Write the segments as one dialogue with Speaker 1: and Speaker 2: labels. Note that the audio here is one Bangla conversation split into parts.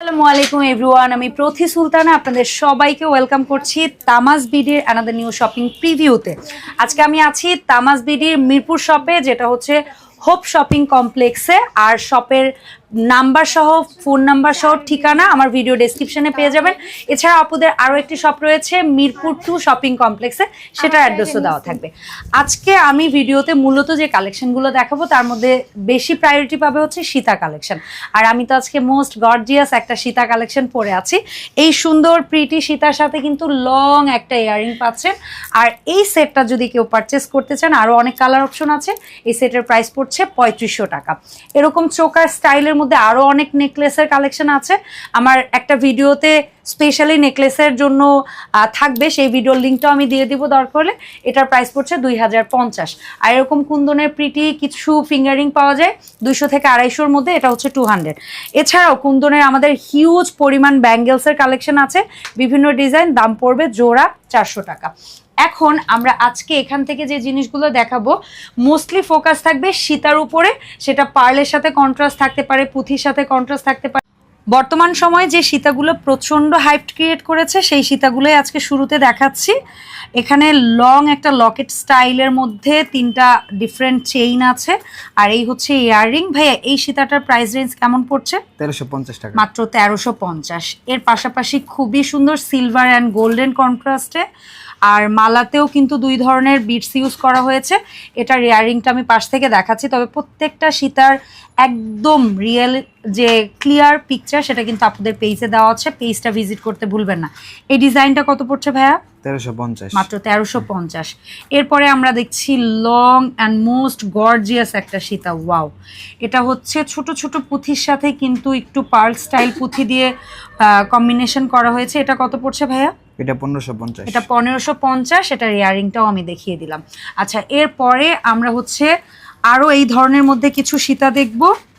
Speaker 1: আসসালামু আলাইকুম এভরিওয়ান, আমি প্রথি সুলতানা আপনাদের সবাইকে ওয়েলকাম করছি তামাজ বিডির অ্যানাদার নিউ শপিং প্রিভিউতে। আজকে আমি আছি তামাজ বিডির মিরপুর শপে, যেটা হচ্ছে হোপ শপিং কমপ্লেক্সে। আর শপের নাম্বার সহ ফোন নাম্বার সহ ঠিকানা আমার ভিডিও ডেসক্রিপশনে পেয়ে যাবেন। এছাড়া আপুদের আরও একটি শপ রয়েছে মিরপুর 2 শপিং কমপ্লেক্সে, সেটার অ্যাড্রেসও দেওয়া থাকবে। আজকে আমি ভিডিওতে মূলত যে কালেকশনগুলো দেখাবো তার মধ্যে বেশি প্রায়োরিটি পাবে হচ্ছে সীতা কালেকশন। আর আমি তো আজকে মোস্ট গর্জিয়াস একটা সীতা কালেকশন পরে আছি। এই সুন্দর প্রিটি সীতার সাথে কিন্তু লং একটা ইয়ারিং পাচ্ছেন। আর এই সেটটা যদি কেউ পারচেস করতে চান, আরও অনেক কালার অপশন আছে। এই সেটের প্রাইস পড়ছে 3500 টাকা। এরকম চোকার স্টাইলের মধ্যে আরও অনেক নেকলেসের কালেকশন আছে। আমার একটা ভিডিওতে স্পেশালি নেকলেসের জন্য থাকবে, সেই ভিডিওর লিঙ্কটাও আমি দিয়ে দিব দরকার হলে। এটার প্রাইস পড়ছে 2050। আর এরকম কুন্দনের প্রিটি কিছু ফিঙ্গারিং পাওয়া যায় 200 থেকে 250-র মধ্যে, এটা হচ্ছে 200। এছাড়াও কুন্দনের আমাদের হিউজ পরিমাণ ব্যাঙ্গেলসের কালেকশন আছে, বিভিন্ন ডিজাইন, দাম পড়বে জোড়া 400 টাকা। এখন আমরা আজকে এখান থেকে যে জিনিসগুলো দেখাবো মোস্টলি ফোকাস থাকবে সীতার উপরে। সেটা পার্লের সাথে কন্ট্রাস্ট থাকতে পারে, পুঁথির সাথে কন্ট্রাস্ট থাকতে পারে। বর্তমান সময়ে যে সীতাগুলো প্রচণ্ড হাইপ ক্রিয়েট করেছে সেই সীতাগুলোই আজকে শুরুতে দেখাচ্ছি। এখানে লং একটা লকেট স্টাইলের মধ্যে 3টা ডিফারেন্ট চেইন আছে, আর এই হচ্ছে ইয়াররিং। ভাইয়া, এই সীতাটার প্রাইস রেঞ্জ কেমন পড়ছে?
Speaker 2: 1350 টাকা,
Speaker 1: মাত্র 1350। এর পাশাপাশি খুবই সুন্দর সিলভার অ্যান্ড গোল্ডেন কন্ট্রাস্টে, আর মালাতেও কিন্তু 2 ধরনের বিটস ইউজ করা হয়েছে। এটার ইয়াররিংটা আমি পাশ থেকে দেখাচ্ছি, তবে প্রত্যেকটা সীতার একদম রিয়েল যে ক্লিয়ার পিকচার সেটা কিন্তু আপনাদের পেজে দেওয়া আছে, পেজটা ভিজিট করতে ভুলবেন না। এই ডিজাইনটা কত পড়ছে ভাইয়া?
Speaker 2: 1350,
Speaker 1: মাত্র 1350। এরপরে আমরা দেখছি লং অ্যান্ড মোস্ট গর্জিয়াস একটা সীতা। ওয়াও, এটা হচ্ছে ছোট ছোট পুঁথির সাথে কিন্তু একটু পার্ল স্টাইল পুঁথি দিয়ে কম্বিনেশন করা হয়েছে। এটা কত পড়ছে ভাইয়া?
Speaker 2: এটা 1550।
Speaker 1: এটা 1550। এটার ইয়ারিংটাও আমি দেখিয়ে দিলাম। আচ্ছা, এরপরে আমরা হচ্ছে আরও এই ধরনের মধ্যে কিছু সীতা দেখব।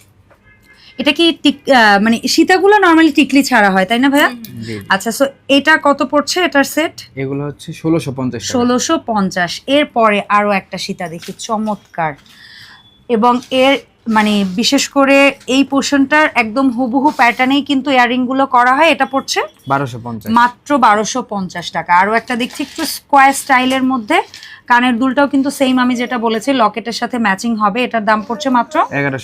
Speaker 1: এটা কি মানে সীতাগুলো নর্মালি টিকলি ছাড়া হয়, তাই না ভাইয়া? আচ্ছা, সো এটা কত পড়ছে এটার সেট?
Speaker 2: এগুলো হচ্ছে 1650 টাকা।
Speaker 1: 1650। এরপরে আরও একটা সীতা দেখি, চমৎকার। এবং এর মানে বিশেষ করে এই পোর্শনটার একদম হুবহু প্যাটার্নেই কিন্তু ইয়াররিংগুলো করা হয়। এটা পড়ছে
Speaker 2: 1250,
Speaker 1: মাত্র 1250 টাকা। আরও একটা দেখছি একটু স্কোয়ার স্টাইলের মধ্যে, কানের দুলটাও কিন্তু সেম আমি যেটা বলেছি লকেটের সাথে ম্যাচিং হবে। এটার দাম পড়ছে মাত্র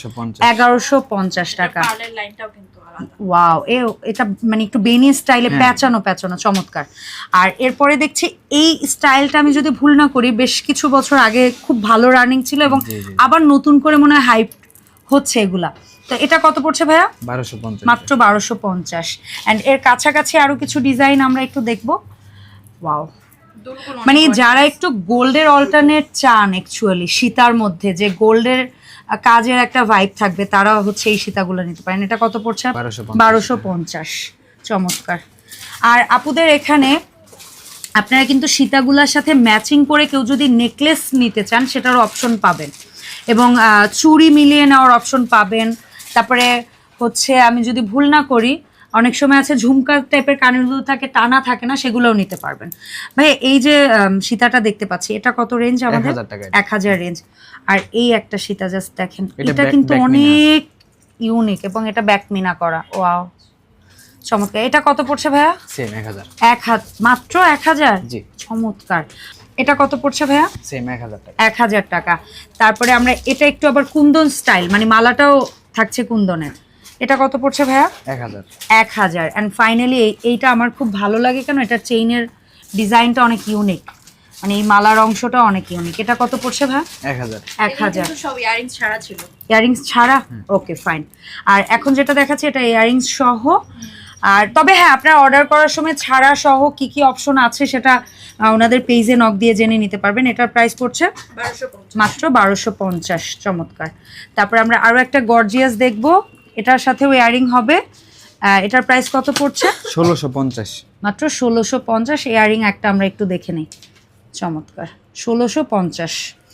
Speaker 1: 1150 টাকা। ওয়াও, এটা মানে একটু বেনি স্টাইলে প্যাচানো প্যাচানো, চমৎকার। আর এরপরে দেখছি এই স্টাইলটা আমি যদি ভুল না করি বেশ কিছু বছর আগে খুব ভালো রানিং ছিল, এবং আবার নতুন করে মনে হয় হাইপ হচ্ছে এগুলা। তো এটা কত পড়ছে ভাইয়া?
Speaker 2: 1250,
Speaker 1: মাত্র 1250। অ্যান্ড এর কাছাকাছি আরো কিছু ডিজাইন আমরা একটু দেখবো। ওয়াও, মানে যারা একটু গোল্ডের অল্টারনেট চান, অ্যাকচুয়ালি সীতার মধ্যে যে গোল্ডের কাজের একটা ভাইব থাকবে, তারা হচ্ছে এই সীতাগুলো নিতে পারেন। এটা কত পড়ছে? 1250। চমৎকার। আর আপুদের এখানে আপনারা কিন্তু সীতাগুলোর সাথে ম্যাচিং করে কেউ যদি নেকলেস নিতে চান সেটারও অপশন পাবেন, এবং চুড়ি মিলিয়ে নেওয়ার অপশন পাবেন। তারপরে হচ্ছে আমি যদি ভুল না করি অনেক সময় আছে ঝুমকা টাইপের কানেরগুলো থাকে, টানা থাকে না, সেগুলোও নিতে পারবেন। ভাই, এই যে সীতাটা দেখতে পাচ্ছি এটা কত রেঞ্জ? আমাদের 1000 রেঞ্জ। আর এই একটা সীতা জাস্ট দেখেন, এটা কিন্তু অনেক ইউনিক, এবং এটা ব্যাকমিনা করা। ওয়াও, চমৎকার। এটা কত পড়ছে ভাইয়া?
Speaker 2: সেম 1000।
Speaker 1: মাত্র 1000?
Speaker 2: জি,
Speaker 1: চমৎকার। এটা কত পড়ছে ভাইয়া?
Speaker 2: সেম 1000 টাকা।
Speaker 1: 1000 টাকা। তারপরে আমরা এটা একটু আবার কুন্দন স্টাইল, মানে মালাটাও থাকছে কুন্দনের। এটা কত পড়ছে ভাইয়া?
Speaker 2: 1000।
Speaker 1: 1000। অ্যান্ড ফাইনালি এইটা আমার খুব ভালো লাগে, কেন এটার চেইনের ডিজাইনটা অনেক ইউনিক, মানে এই মালার অংশটা অনেক ইউনিক। এটা কত পড়ছে ভাই?
Speaker 2: 1000।
Speaker 1: 1000।
Speaker 3: সব ইয়ারিংস ছাড়া ছিল।
Speaker 1: ইয়ারিংস ছাড়া? ওকে, ফাইন। আর এখন যেটা দেখাচ্ছি এটা ইয়ারিংস সহ। আর তবে হ্যাঁ, আপনারা অর্ডার করার সময় ছাড়া সহ কি কি অপশন আছে সেটা ওনাদের পেজে নক দিয়ে জেনে নিতে পারবেন। এটার প্রাইস পড়ছে
Speaker 3: 1250।
Speaker 1: মাত্র 1250। চমৎকার। তারপরে আমরা আরও একটা গর্জিয়াস দেখব, এটার সাথেও ইয়ারিং হবে। এটার প্রাইস কত পড়ছে?
Speaker 2: 1650।
Speaker 1: মাত্র 1650। ইয়ারিং একটা আমরা একটু দেখে নিই। চমৎকার, 1650।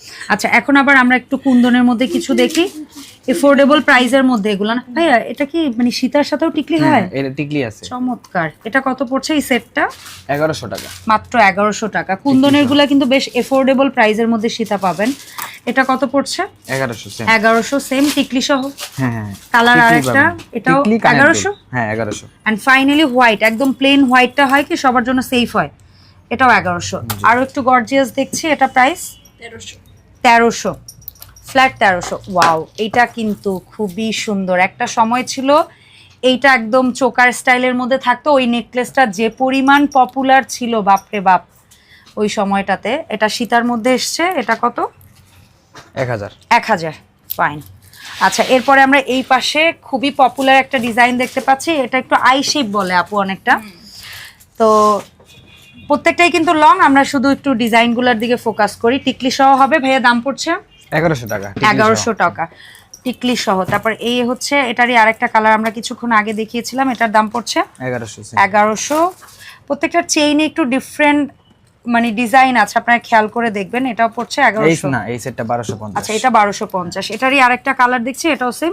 Speaker 1: আচ্ছা এখন আবার আমরা একটু কুন্দনের মধ্যে কিছু দেখি, এফোর্ডেবল প্রাইসের মধ্যে এগুলো না ভাইয়া। এটা কি মানে সীতার সাথেও টিকলি হয়?
Speaker 2: এটা টিকলি আছে।
Speaker 1: চমৎকার। এটা কত পড়ছে এই সেটটা?
Speaker 2: 1100 টাকা।
Speaker 1: মাত্র 1100 টাকা। কুন্দনের গুলা কিন্তু বেশ এফোর্ডেবল প্রাইসের মধ্যে সীতা পাবেন। এটা কত পড়ছে?
Speaker 2: 1100 সেম।
Speaker 1: 1100 সেম টিকলি সহ।
Speaker 2: হ্যাঁ।
Speaker 1: কালার আরেকটা, এটাও 1100।
Speaker 2: হ্যাঁ 1100।
Speaker 1: এন্ড ফাইনালি হোয়াইট, একদম প্লেন হোয়াইটটা হয় কি সবার জন্য সেফ হয়, এটাও 1100। আরো একটু গর্জিয়াস দেখছি, এটা প্রাইস 1300, ফ্ল্যাট 1300। ওয়াও, এটা কিন্তু খুবই সুন্দর। একটা সময় ছিল এইটা একদম চোকার স্টাইলের মধ্যে থাকতো, ওই নেকলেসটা যে পরিমাণ পপুলার ছিল বাপরে বাপ ওই সময়টাতে। এটা সীতার মধ্যে এসছে, এটা কত? 1000। ফাইন। আচ্ছা এরপরে আমরা এই পাশে খুবই পপুলার একটা ডিজাইন দেখতে পাচ্ছি, এটা একটু আই শেপ বলে আপু অনেকটা, তো প্রত্যেকটাই কিন্তু লং। আমরা শুধু একটু ডিজাইনগুলোর দিকে ফোকাস করি। টিকলি সহ হবে ভাইয়া, দাম পড়ছে
Speaker 2: 1100 টাকা।
Speaker 1: 1100 টাকা টিকলি সহ। তারপর এই হচ্ছে এটারই আরেকটা কালার আমরা কিছুক্ষণ আগে দেখিয়েছিলাম, এটার দাম পড়ছে 1100। প্রত্যেকটা চেইনে একটু ডিফারেন্ট মানে ডিজাইন আছে, আপনারা খেয়াল করে দেখবেন। এটাও পড়ছে 1100
Speaker 2: না, এই সেটটা 1250।
Speaker 1: আচ্ছা এটা 1250। এটারই আরেকটা কালার দেখছি, এটাও সেম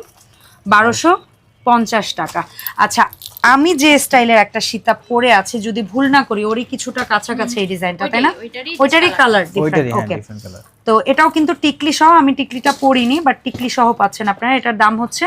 Speaker 1: 1250 টাকা। আচ্ছা আমি যে স্টাইলের একটা সীতা পরে আছে, যদি ভুল না করি ওরই কিছুটা কাছাকাছি এই ডিজাইনটা, তাই না? ওইটারই কালার ডিফারেন্ট। ওকে, তো এটাও কিন্তু টিকলি সহ। আমি টিকলিটা পরিনি, বাট টিকলি সহ পাচ্ছেন আপনারা। এটার দাম হচ্ছে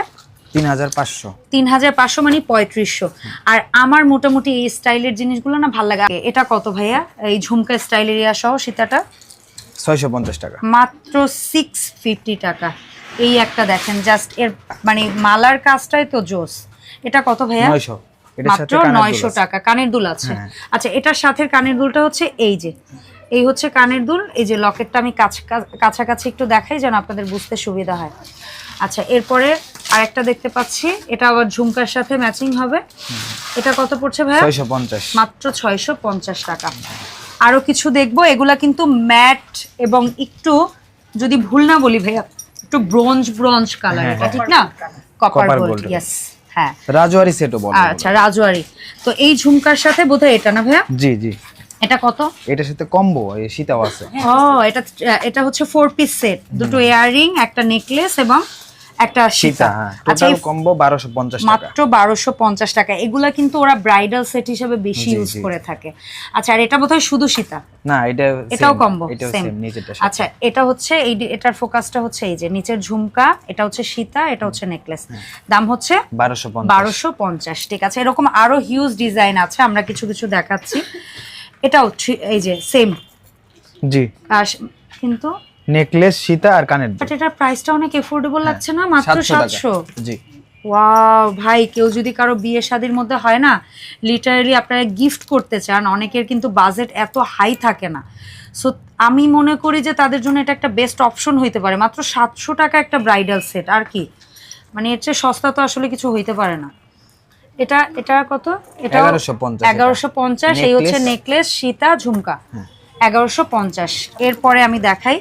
Speaker 2: 3500
Speaker 1: মানে 3500। আর আমার মোটামুটি এই স্টাইলের জিনিসগুলো না ভালো লাগে। এটা কত ভাইয়া এই ঝুমকা স্টাইলের ইয়া সহ সীতাটা?
Speaker 2: 650 টাকা।
Speaker 1: মাত্র 650 টাকা। এই একটা দেখেন জাস্ট, এর মানে মালার কাজটাই তো জোস। এটা কত ভাইয়া?
Speaker 2: 900।
Speaker 1: মাত্র 900 টাকা। কানের দুল আছে। আচ্ছা এটার সাথে কানের দুলটা হচ্ছে এই যে, এই হচ্ছে কানের দুল। এই যে লকেটটা আমি কাছাকাছি একটু দেখাই যেন আপনাদের বুঝতে সুবিধা হয়। আচ্ছা এরপরে আরেকটা দেখতে পাচ্ছি, এটা আবার ঝুমকার সাথে ম্যাচিং হবে। এটা কত পড়ছে ভাইয়া?
Speaker 2: 650।
Speaker 1: মাত্র 650 টাকা। আরো কিছু দেখবো, এগুলা কিন্তু ম্যাট এবং একটু যদি ভুল না বলি ভাইয়া একটু ব্রোঞ্জ কালার, এটা ঠিক না? Copper gold. ইয়েস, হ্যাঁ
Speaker 2: রাজওয়ারি সেটও বলে।
Speaker 1: আচ্ছা রাজওয়ারি। তো এই ঝুমকার সাথে বোধহয় এটা না ভাইয়া?
Speaker 2: জি।
Speaker 1: এটা কত?
Speaker 2: এটার সাথে কম্বো এই সীতাও আছে।
Speaker 1: ও এটা হচ্ছে 4 পিস সেট, দুটো ইয়াররিং, একটা নেকলেস এবং একটা সীতা। আচ্ছা
Speaker 2: টোটাল কম্বো 1250 টাকা।
Speaker 1: মাত্র 1250 টাকা। এগুলা কিন্তু ওরা ব্রাইডাল সেট হিসেবে বেশি ইউজ করে থাকে। আচ্ছা আর এটা বোধহয় শুধু সীতা
Speaker 2: না,
Speaker 1: এটাও কম্বো
Speaker 2: সেম।
Speaker 1: আচ্ছা এটা হচ্ছে এটার ফোকাসটা হচ্ছে এই যে নিচের ঝুমকা, এটা হচ্ছে সীতা, এটা হচ্ছে নেকলেস। দাম হচ্ছে 1250। ঠিক আছে, এরকম আরো হিউজ ডিজাইন আছে, আমরা কিছু কিছু দেখাচ্ছি। এটাও এই যে সেম।
Speaker 2: জি,
Speaker 1: কিন্তু
Speaker 2: নেকলেস সীতা আর কানের দুল।
Speaker 1: বাট এটার প্রাইসটা অনেক এফোর্ডেবল লাগছে না? মাত্র 700।
Speaker 2: জি
Speaker 1: ওয়াও ভাই, কেউ যদি কারো বিয়ে শাদীর মধ্যে হয় না, লিটারালি আপনারা গিফট করতে চান, অনেকের কিন্তু বাজেট এত হাই থাকে না, সো আমি মনে করি যে তাদের জন্য এটা একটা বেস্ট অপশন হইতে পারে। মাত্র 700 টাকা একটা ব্রাইডাল সেট, আর কি মানে এর চেয়ে সস্তা তো আসলে কিছু হইতে পারে না। এটা কত? এটা 1150। এই হচ্ছে নেকলেস সীতা ঝুমকা 1150। এরপরে আমি দেখাই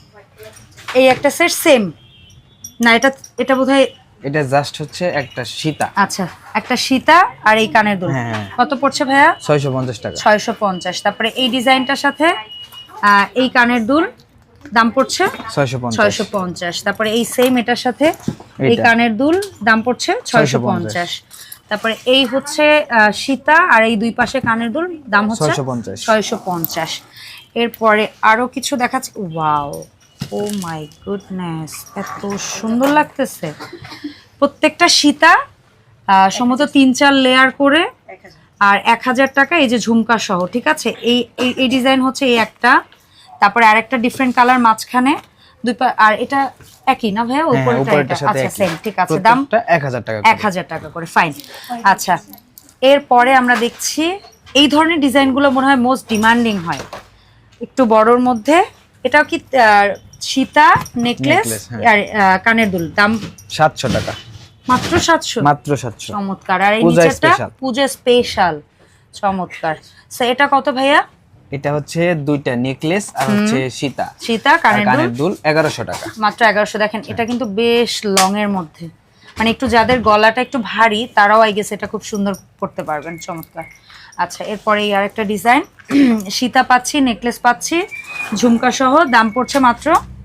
Speaker 1: এই একটা সেট সেম না, এটা বোধহয়
Speaker 2: এটা জাস্ট হচ্ছে একটা সীতা।
Speaker 1: আচ্ছা একটা সীতা আর এই কানের দুল। কত পড়ছে ভাইয়া?
Speaker 2: 650 টাকা।
Speaker 1: 650। তারপরে এই ডিজাইনটার সাথে এই কানের দুল দাম পড়ছে 650। তারপরে এই সেম এটার সাথে এই কানের দুল দাম পড়ছে 650। তারপরে এই হচ্ছে সীতা আর এই দুই পাশে কানের দুল দাম হচ্ছে 650। এরপরে আরো কিছু দেখাচ্ছি। ওয়াও, ও মাই গুডনেস, এত সুন্দর লাগতেছে। প্রত্যেকটা সীতা সম্ভবত 3-4 লেয়ার করে, আর 1000 টাকা এই যে ঝুমকা সহ। ঠিক আছে, এই ডিজাইন হচ্ছে এই একটা, তারপরে আরেকটা ডিফারেন্ট কালার মাঝখানে দুই আর এটা একই না ভাইয়া? উপরেরটা আচ্ছা সেম। ঠিক আছে, দাম 1000 টাকা করে। ফাইন। আচ্ছা এরপরে আমরা দেখছি এই ধরনের ডিজাইনগুলো মনে হয় মোস্ট ডিমান্ডিং হয়, একটু বড়র মধ্যে। এটাও কি সীতা নেকলেস আর কানের দুল, দাম
Speaker 2: 700 টাকা।
Speaker 1: মাত্র 700।
Speaker 2: মাত্র 700।
Speaker 1: চমৎকার। আর এই নিচেরটা পূজা স্পেশাল, চমৎকার। এটা কত ভাইয়া?
Speaker 2: এটা হচ্ছে দুইটা নেকলেস আর হচ্ছে সীতা কানের দুল 1100 টাকা।
Speaker 1: মাত্র 1100। দেখেন এটা কিন্তু বেশ লং এর মধ্যে, মানে একটু যাদের গলাটা একটু ভারী তারাও আই গেস এটা খুব সুন্দর করতে পারবেন। চমৎকার। আচ্ছা এরপরে এই আরেকটা ডিজাইন, সীতা পাচ্ছি, নেকলেস পাচ্ছি ঝুমকা সহ, দাম পড়ছে মাত্র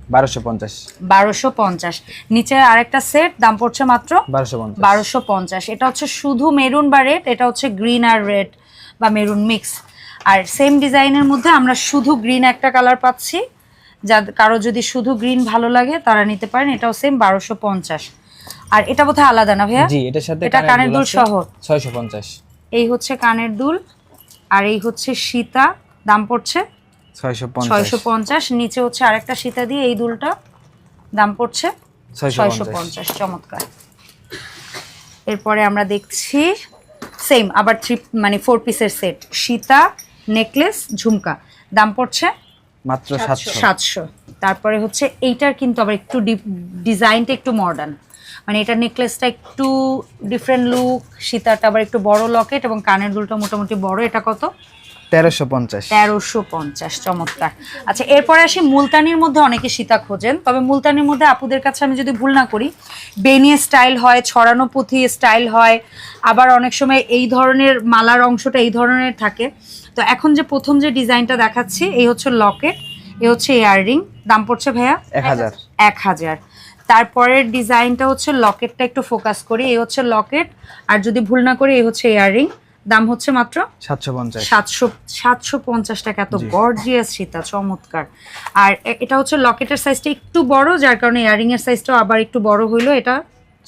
Speaker 1: 1250। নিচে আরেকটা সেট দাম পড়ছে মাত্র 1250। এটা হচ্ছে শুধু মেরুন বা রেড, এটা হচ্ছে গ্রিন আর রেড বা মেরুন মিক্স। আর সেম ডিজাইনের মধ্যে আমরা শুধু গ্রিন একটা কালার পাচ্ছি, যা কারো যদি শুধু গ্রিন ভালো লাগে তারা নিতে পারেন। এটাও সেম 1250। আর এটা বোধহয় আলাদা না ভাইয়া?
Speaker 2: জি, এটার সাথে
Speaker 1: এটা কানের দুল সহ
Speaker 2: 650।
Speaker 1: এই হচ্ছে কানের দুল আর এই হচ্ছে সীতা, দাম পড়ছে 650। নিচে হচ্ছে আরেকটা সীতা দিয়ে এই দুলটা, দাম পড়ছে 650। চমৎকার। এরপরে আমরা দেখছি সেম আবার 4 পিসের সেট, সীতা, নেকলেস, ঝুমকা, দাম পড়ছে
Speaker 2: মাত্র
Speaker 1: 700। তারপরে হচ্ছে এইটার কিন্তু আবার একটু ডিজাইনটা একটু মডার্ন, মানে এটা নেকলেসটা একটু ডিফারেন্ট লুক, সীতাটা আবার একটু বড় লকেট এবং কানের দুলটা মোটামুটি বড়। এটা কত? 1350। চমৎকার। আচ্ছা, এরপরে আসি মুলতানির মধ্যে। অনেকে সীতা খোঁজেন, তবে মুলতানির মধ্যে আপুদের কাছে আমি যদি ভুল না করি বেনিয়ে স্টাইল হয়, ছড়ানো পুঁথি স্টাইল হয়, আবার অনেক সময় এই ধরনের মালার অংশটা এই ধরনের থাকে। তো এখন যে প্রথম যে ডিজাইনটা দেখাচ্ছি, এই হচ্ছে লকেট, এই হচ্ছে ইয়াররিং, দাম পড়ছে ভাইয়া 1000। তারপরের ডিজাইনটা হচ্ছে লকেটটা একটু ফোকাস করি, এই হচ্ছে লকেট, আর যদি ভুল না করি এই হচ্ছে ইয়াররিং, দাম হচ্ছে মাত্র 750 টাকা। এত গর্জিয়াস সীতা, চমৎকার। আর এটা হচ্ছে লকেটের সাইজটা একটু বড়, যার কারণে ইয়াররিং এর সাইজটাও আবার একটু বড় হইলো, এটা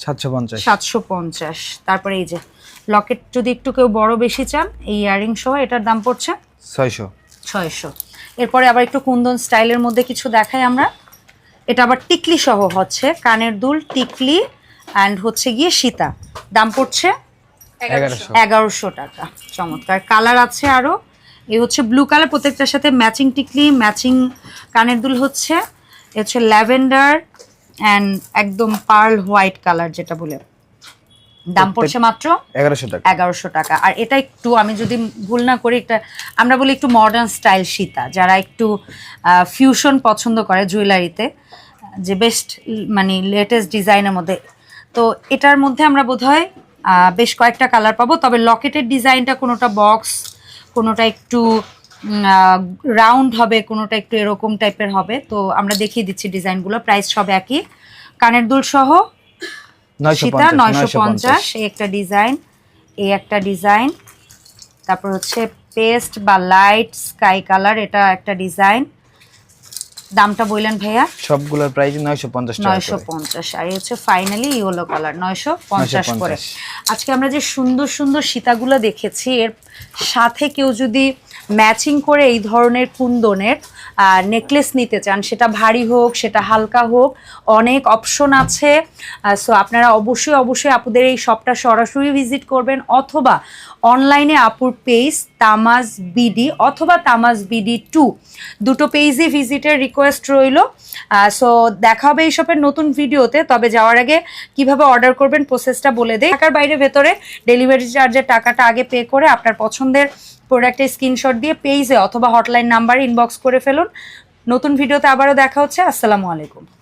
Speaker 1: 750। তারপরে এই যে লকেট যদি একটু কেউ বড় বেশি চান, এই ইয়াররিং সহ এটার দাম পড়ছে 600। এরপরে আবার একটু কুন্দন স্টাইলের মধ্যে কিছু দেখাই আমরা। এটা আবার টিকলি সহ হচ্ছে, কানের দুল, টিকলি অ্যান্ড হচ্ছে গিয়ে সীতা, দাম পড়ছে 1100 টাকা। চমৎকার। কালার আছে আরো, এই হচ্ছে ব্লু কালার, প্রত্যেকটার সাথে ম্যাচিং টিকলি, ম্যাচিং কানের দুল হচ্ছে, এ হচ্ছে ল্যাভেন্ডার অ্যান্ড একদম পার্ল হোয়াইট কালার যেটা বলে, দাম পড়ছে মাত্র 1100 টাকা। আর এটা একটু আমি যদি ভুল না করি, একটা আমরা বলি একটু মডার্ন স্টাইল সীতা, যারা একটু ফিউশন পছন্দ করে জুয়েলারিতে, যে বেস্ট মানে লেটেস্ট ডিজাইনের মধ্যে। তো এটার মধ্যে আমরা বোধহয় বেশ কয়েকটা কালার পাবো, তবে লকেটের ডিজাইনটা কোনোটা বক্স, কোনোটা একটু রাউন্ড হবে, কোনোটা একটু এরকম টাইপের হবে। তো আমরা দেখিয়ে দিচ্ছি ডিজাইনগুলো, প্রাইস সব একই। কানের দুল সহ সীতা 950, এই একটা ডিজাইন, এই একটা ডিজাইন, তারপর হচ্ছে পেস্ট বা লাইট স্কাই কালার, এটা একটা ডিজাইন, দামটা বললেন ভাইয়া?
Speaker 2: সবগুলোর প্রাইস 950।
Speaker 1: আর এই হচ্ছে ফাইনালি ইয়েলো কালার 950 করে। আজকে আমরা যে সুন্দর সুন্দর সীতাগুলো দেখেছি, এর সাথে কেউ যদি ম্যাচিং করে এই ধরনের কুন্দনের নেকলেস নিতে চান, সেটা ভারী হোক সেটা হালকা হোক, অনেক অপশন আছে। সো আপনারা অবশ্যই আপুদের এই শপটা সরাসরি ভিজিট করবেন, অথবা অনলাইনে আপুর পেজ তামাজ বিডি অথবা তামাজ বিডি 2 দুটো পেজই ভিজিটের রিকোয়েস্ট রইল। সো দেখা হবে এই শপের নতুন ভিডিওতে। তবে যাওয়ার আগে কিভাবে অর্ডার করবেন প্রসেসটা বলে দেই। ঢাকার বাইরে ভেতরে ডেলিভারি চার্জের টাকাটা আগে পে করে আপনার পছন্দের প্রোডাক্টের স্ক্রিনশট দিয়ে পেজে অথবা হটলাইন নাম্বারে ইনবক্স করে ফেলুন। নতুন ভিডিওতে আবারও দেখা হচ্ছে। আসসালামু আলাইকুম।